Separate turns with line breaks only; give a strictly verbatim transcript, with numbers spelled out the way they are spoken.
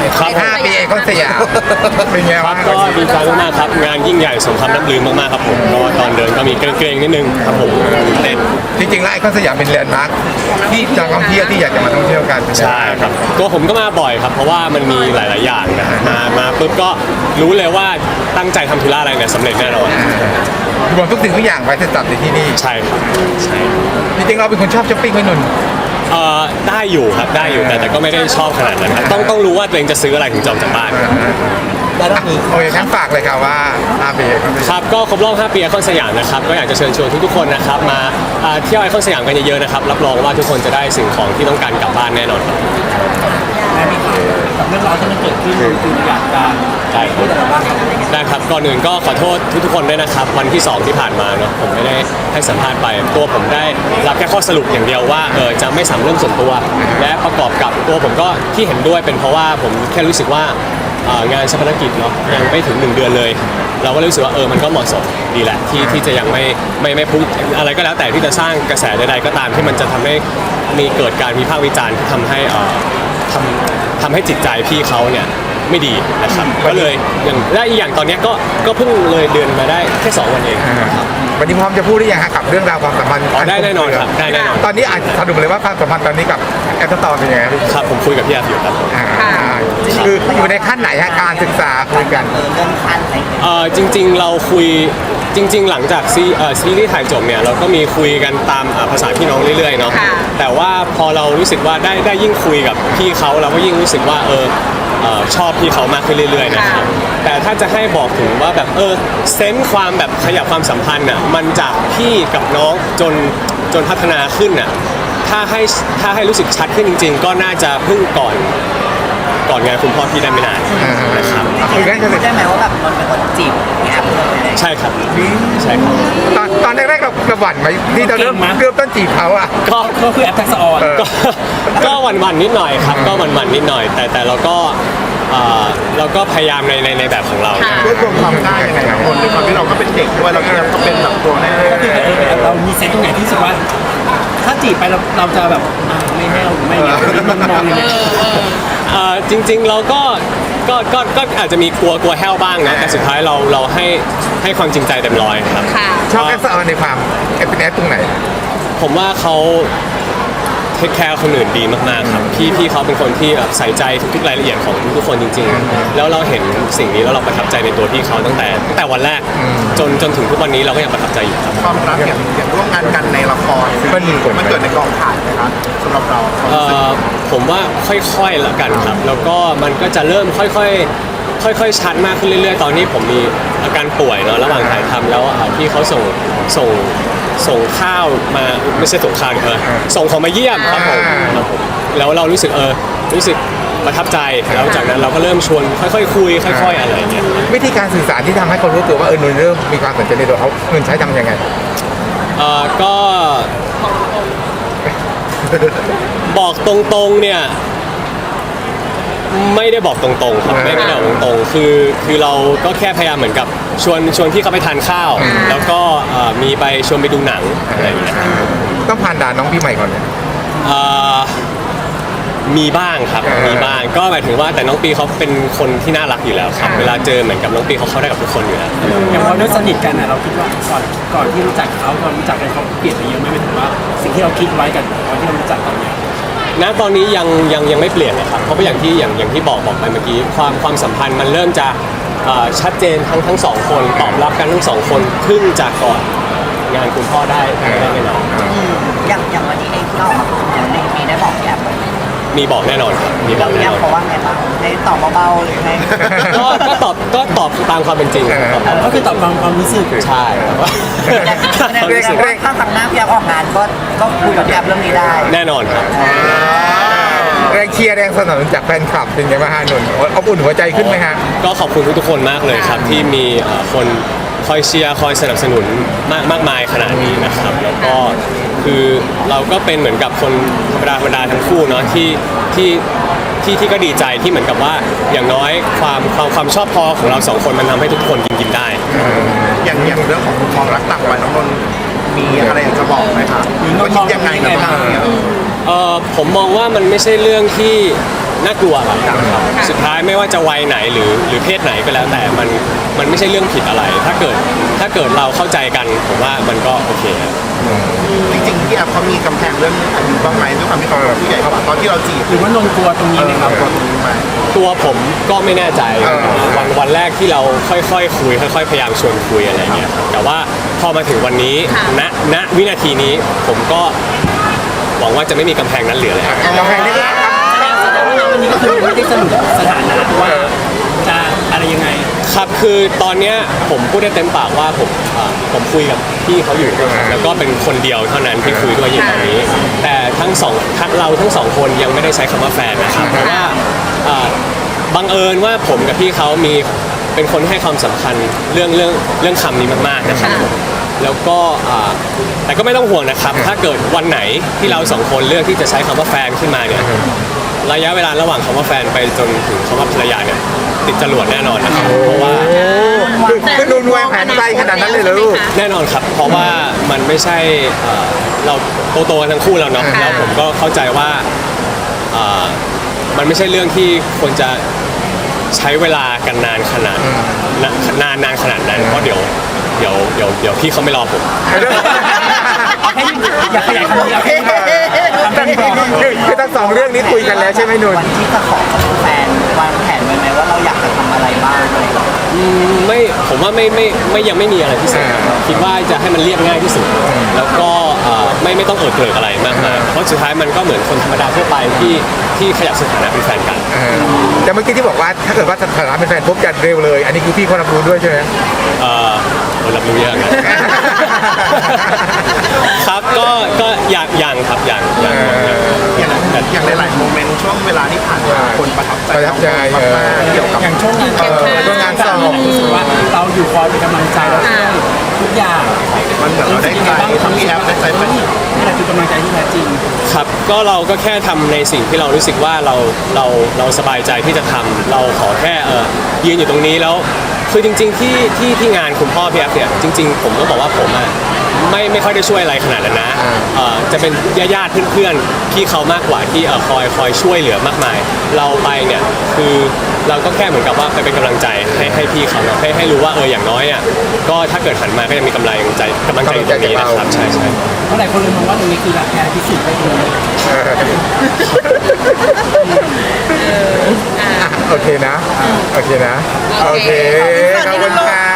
ห้าปีไอคอนสยามเป็นไง
ครั
บ้า
บ
ง
ก็ดีใจมากๆครับงานยิ่งใหญ่สมคำน้ำลือมากๆครับผมก็ตอนเดินก็มีเกรงๆนิดนึงครับผมเต้น
จริงๆแล้วไอคอนสยามเป็นแลนด์มาร์คที่นักท่องเที่ยวที่อยากจะมาท่องเที่ยวกัน
ใช่ครับตัวผมก็มาบ่อยครับเพราะว่ามันมีหลายๆอย่างนะฮะมามาปุ๊บก็รู้เลยว่าตั้งใจทำธุระอะไรเนี่ยสำเร็จแน่นอน
รวมทุกสิ่งทุกอย่างไว้จะจัดในที่นี่
ใช่ครับใช่
จริงๆเราเป็นคนชอบช้อปปิ้งไหมนนท์
เอ่อได้อยู่ครับได้อยู่แต่แต่ก็ไม่ได้ชอบขนาดนั้นครับต้องต้องรู้ว่าตัวเองจะซื้ออะไรถึงจะออกจากบ้าน
แล้วมีโอเคงั้นฝากเลยครับว่าห้าปี
ครับก็ครบรอบห้าปีไอคอนสยามนะครับก็อยากจะเชิญชวนทุกๆคนนะครับมาอ่าเที่ยวไอคอนสยามกันเยอะๆนะครับรับรองว่าทุกคนจะได้สิ่งของที่ต้องการกลับบ้านแน่นอนครับ
ได้ไหมครับกับเรื่องราวที่มันเกิดขึ้นคืออยากจะ
ได้ค
พู
รั
ด
บ
อะไรบ้างครับ
ได้ครับก่อนอื่นก็ขอโทษทุกๆคนด้วยนะครับวันที่สองที่ผ่านมาเนาะผมไม่ได้ให้สัมภาษณ์ไปตัวผมได้รับแค่ข้อสรุปอย่างเดียวว่าเออจะไม่สามเรื่องส่วนตัว และประกอบกับตัวผมก็ที่เห็นด้วยเป็นเพราะว่าผมแค่รู้สึกว่าอ่างานชาปนกิจเนาะยังไม่ถึงหนึ่งเดือนเลย เราก็เลยรู้สึกว่าเออมันก็เหมาะสมดีแหละที่ที่จะยังไม่ไม่ไม่พุ่งอะไรก็แล้วแต่ที่จะสร้างกระแสใดๆก็ตามที่มันจะทำให้มีเกิดการวิพากษ์วิจารณ์ที่ทำให้เอ่อทำทำให้จิตใจพี่เขาเนี่ยไม่ดีนะครับก็เลยอย่างและอีกอย่างตอนเนี้ยก็ก็เพิ่งเลยเดือนมาได้แค่สองวันเอง
วันนี้พร้อมจะพูดหรือยังฮะกับเรื่องราวความสัมพันธ์
อ๋อได้แน่นอนครับได้แน่นอน
ตอนนี้อาจสรุปเลยว่าความสัมพันธ์ตอนนี้กับแอปสตอร์เป็นยังไงครับ
ครับผมคุยกับพี่อาฟิวครับ
อ่าคืออยู่ในขั้นไหนฮะการศึกษาคุยกัน
เออเรื่องขั้นอะไรอย่างเงี้ย
เอ่อจริงๆเราคุยจริง ๆ หลังจากซีเอ่อซีรีส์ถ่ายจบเนี่ยเราก็มีคุยกันตามอ่าภาษาพี่น้องเรื่อยๆเนาะแต่ว่าพอเรารู้สึกว่าได้ได้ยิ่งคุยกับพี่เขาเราก็ยิ่งรู้สึกว่าเออเอ่อชอบพี่เขามากขึ้นเรื่อยๆนะครับแต่ถ้าจะให้บอกถึงว่าแบบเออเซนส์ความแบบขยับความสัมพันธ์อ่ะมันจากพี่กับน้องจนจนพัฒนาขึ้นอ่ะถ้าให้ถ้าให้รู้สึกชัดขึ้นจริง ๆ ก็น่าจะเพิ่งก่อนก่อนงานคุณพ่อพี่ได้ไม่นานนะครับ
คุยกันจะเสร็จ
ได้ไหมว่าแบบมันเป็นคนจีบพี่แอปเลย
ใช่ครับใช่ครับ
ตอนตอนแรกๆเราเราหวั่นไหมที่เราเริ่มเริ่มต้นจีบเขาอ่ะ
ก็
ก็คือแอปทักษะออน
ก็ก็หวันๆนิดหน่อยครับก็หวันๆนิดหน่อย แต่แต่เราก็เอ่อเราก็พยายามในในในแบบของเรา
ด้วยรวมความกล้ายังไงครับคนด้วยความที่เราก็เป็นเด็กด้วยเราก็เป็นแบบตัวแม่
ก็คือเออเรามีเซนต์ตรงไหนที่รู้สึกว่า ถ้าจีบไปเราเราจะแบบอ่ะไม่แน่วหรือไม่เงี้ยมันมองยังไง
เอ่อจริงๆเราก็ก็ก็ก็อาจจะมีกลัวกลัวแห้วบ้างนะแต่สุดท้ายเราเราให้ให้ความจริงใจเต็มร้อยครับ
ชอบแอปสตอร์ในความแอปเป็นแอปตรงไหน
ผมว่าเขาเทคแคร์คนอื่นดีมากๆครับพี่พี่เขาเป็นคนที่แบบใส่ใจทุกๆรายละเอียดของทุกๆคนจริงๆ แล้วเราเห็นสิ่งนี้แล้วเราประทับใจในตัวพี่เขาตั้งแต่ตั้งแต่วันแรกจนจนถึงทุกวันนี้เราก็ยังประทับใจอยู่ครับ
ความรักอย่างอย่างร่วมงานกันในละครมันมันเกิดในกองถ่ายนะครับสำหรับเรา
เอ่อผมว่าค่อยๆละกันครับ แล้วก็มันก็จะเริ่มค่อยๆค่อยๆชัดมากขึ้นเรื่อยๆ ตอนนี้ผมมีอาการป่วยเนาะระหว่างถ่ายทำแล้วอ่าพี่เขาส่งส่งส่งข้าวมาไม่ใช่ส่งข้าวดิเออส่งของมาเยี่ยมครับผมครับผมแล้วเรารู้สึกเออรู้สึกประทับใจแล้วจากนั้นเราก็เริ่มชวนค่อยๆคุยค่อย ๆ อะไรอย่างเงี้ย
วิธีการสื่อสารที่ทำให้เขารู้ตัวว่าเออหนุ่นเริ่มมีความสนใจในตัวเขาหนุ่นใช้ทำยังไง
เอ่อก็บอกตรงๆเนี่ยไม่ได้บอกตรงๆครับไม่ไม่ได้บอกตรงๆคือคือเราก็แค่พยายามเหมือนกับชวนชวนพี่เขาไปทานข้าว แล้วก็เอ่อมีไปชวนไปดูหนังอะไรอย่างเงี้ย
ต้องผ่านด่านน้องพี่ใหม่ก่อนเนี่ย
เอ่อมีบ้างครับมีบ้างก็หมายถึงว่าแต่น้องปีเขาเป็นคนที่น่ารักอยู่แล้วครับเวลาเจอเหมือนกับน้องปีเขาเข้าได้กับทุกคนอยู่แล้ว
อย่างพอด้วยสนิทกันนะเราคิดว่าก่อนก่อนที่รู้จักเขาก่อนรู้จักกันเขาเปลี่ยนไปเยอะไหมหมายถึงว่าสิ่งที่เราคิดไว้กันตอนที่เรารู้จักตอนเนี้ย
ณตอนนี้ยังยังยังไม่เปลี่ยนเลยครับเพราะว่าอย่างที่อย่างอย่างที่บอกบอกไปเมื่อกี้ความความสัมพันธ์มันเริ่มจะเอ่อชัดเจนทั้งทั้งสองคนตอบรับกันทั้งสองคนขึ้นจากก่อนงานคุณพ่อได้ได้แน่นอน
อย่างอย่างวันนี้เองที่ออกมาพูดเนี่ยในมีได้บอกแอบไหม
มีบอกแน่นอนครับมีบ
แล้
อ
ว
กแน่
แอน บ
อน
เขาว่าไงบ้างได้ตอบเบาๆหรือไง
ก็ก็ตอบก็ตอบตามความเป็นจริงครับ
ก็คือตอบความความรู้สึก
ใช่ครับว่า
แสดงว่าถ้าครั้งหน้าพี่แอบออกงานก็ก็คุยกับพี่แอบเรื่องนี้ได้
แน่นอนครับ
แรงเชียร์แรงสนับสนุนจากแฟนคลับเป็นไงบ้างฮะหนุ่นอบอุ่นหัวใจขึ้นไหมฮะ
ก็ขอบคุณทุกๆคนมากเลยครับที่มีเอ่อคนคอยเชียร์คอยสนับสนุนมากมากมายขนาดนี้นะครับ แล้วก็คือเราก็เป็นเหมือนกับคนธรรมดาธรรมดาทั้งคู่เนาะที่ที่ที่ที่ก็ดีใจที่เหมือนกับว่าอย่างน้อยความความความชอบพอของเราสองคนมันทำให้ทุกคนกินกินได้
อย่างอย่างเรื่องของความรักต่างวัยน้องนนท์มีอะไรอยากจะบอกไหมครับ
หรือน้องมองยังไงบ้าง
เอ่อผมมองว่ามันไม่ใช่เรื่องที่น่ากลัวครับสุดท้ายไม่ว่าจะวัยไหนหรือหรือเพศไหนก็แล้วแต่มันมันไม่ใช่เรื่องผิดอะไร ถ้าเกิดถ้าเกิดเราเข้าใจกันผมว่ามันก็โอเคครับ
จริงๆพี่แอฟเขามีกำแพงเรื่องอายุบ้างไหมด้วยความที่เขาเป็นผู้ใหญ่กว่าตอนที่เราจีบ
หรือว่านนท์กลัวตรงนี้ไหมครับ
กลัวตรงนี้ไหม
ตัวผมก็ไม่แน่ใจวันวันแรกที่เราค่อยๆคุยค่อยๆพยายามชวนคุยอะไรเงี้ยครับแต่ว่าพอมาถึงวันนี้ณณวินาทีนี้ผมก็หวังว่าจะไม่มีกำแพงนั้นเหลือแล้ว
กำแพงนี่ก็
แสดงว่าวันนี้ก็คือไม่ได้สรุปสถานะว่าจะอะไรยังไง
ครับคือตอนเนี้ยผมพูดได้เต็มปากว่าผมอ่าผมคุยกับพี่เขาอยู่แล้วก็เป็นคนเดียวเท่านั้นที่คุยด้วยอยู่ตอนนี้ แต่ทั้งสองทั้งเราทั้งสองคนยังไม่ได้ใช้คำว่าแฟนนะครับเพราะว่าอ่าบังเอิญว่าผมกับพี่เขามีเป็นคนให้ความสำคัญเรื่องเรื่องเรื่องคำนี้มากๆนะครับผมแล้วก็อ่าแต่ก็ไม่ต้องห่วงนะครับ ถ้าเกิดวันไหนที่เราสองคนเลือกที่จะใช้คำว่าแฟนขึ้นมาเนี่ยระยะเวลาระหว่างคำว่าแฟนไปจนถึงคำว่าภรรยาเนี่ยติดจรวดแน่นอนนะครับเพราะว่า
คือคือดูนวงแผนไกลขนาดนั้นเลยเหรอลูก
แน่นอนครับ เพราะว่ามันไม่ใช่เอ่อเราโตๆกันทั้งคู่แล้วเนาะแล้วผมก็เข้าใจว่าเอ่อมันไม่ใช่เรื่องที่ควรจะใช้เวลากันนานขนาดนะนานนานขนาดนั้นเพราะเดี๋ยวเดี๋ยวเดี๋ยวเดี๋ยวพี่เขาไม่รอผม
อยากขยายคำนี้เอาแค่คำเป็นบอก
คือคือทั้งสองเรื่องนี้คุยกันแล้วใช่ไหมนุ่น
วันที่จะขอกับแฟนวางแผนไว้ไหมว่าเราอยากจะทำอะไรบ้างอะไรอย่างเงี้ย
อืมไม่ผมว่าไม่ไม่ไม่ยังไม่มีอะไรพิเศษคิดว่าจะให้มันเรียบง่ายที่สุด แล้วก็เอ่อไม่ไม่ต้องเอิดเกริกอะไรมากมายเพราะสุดท้ายมันก็เหมือนคนธรรมดาทั่วไปที่ที่ขยับสถานะเป็นแฟนกัน
เออแต่เมื่อกี้ที่บอกว่าถ้าเกิดว่าสถานะเป็นแฟนพบกันเร็วเลย อันนี้คือพี่เขารับรู้ด้วยใช่ไหม
เอ่อเรารับรู้เยอะนะ ครับก็ก็อย่างอย่างครับอย่างอย่างอย่าง
อย่างอย่างหลายๆโมเมนต์ช่วงเวลาที่ผ่านมาคนประทับใจ
ประทับใจ
มากๆเกี่ยวกับ
อย่างช่วงงาน
เออช่วงงานสอบ
รู้สึกว่าเราอยู่คอยเป็นกำลังใจเราช่วยทุกอย่าง
มันเหมือนเราได้ใจทั้งพี่แอฟได้ใจแฟน
นี่แหละคือกำลังใจที่แท้จริง
ครับก็เราก็แค่ทำในสิ่งที่เรารู้สึกว่าเราเราเราสบายใจที่จะทำเราขอแค่เออยืนอยู่ตรงนี้แล้วคือจริง ๆ ที่ที่ที่งานคุณพ่อพี่แอฟเนี่ยจริง ๆ ผมก็บอกว่าผมอ่ะไม่ไม่ค่อยได้ช่วยอะไรขนาดนั้นนะเอ่อจะเป็นญาติๆเพื่อนๆพี่เขามากกว่าที่เออคอยคอยช่วยเหลือมากมาย เราไปเนี่ยคือเราก็แค่เหมือนกับว่าไปเป็นกำลังใจให้ให้พี่เขาเนอะให้ให้รู้ว่าเอออย่างน้อยอ่ะก็ถ้าเกิดหันมาก็ยังมีกำลังใจกำลังใจอยู่ตรงนี้นะครับใช่ใช่
เพราะหลายคนเลยมองว่าตรงนี้คือรักแท้พิสูจน์ได้เลย
เอออ่ะโอเคนะ โอเคนะ โอเค ขอบคุณค่ะ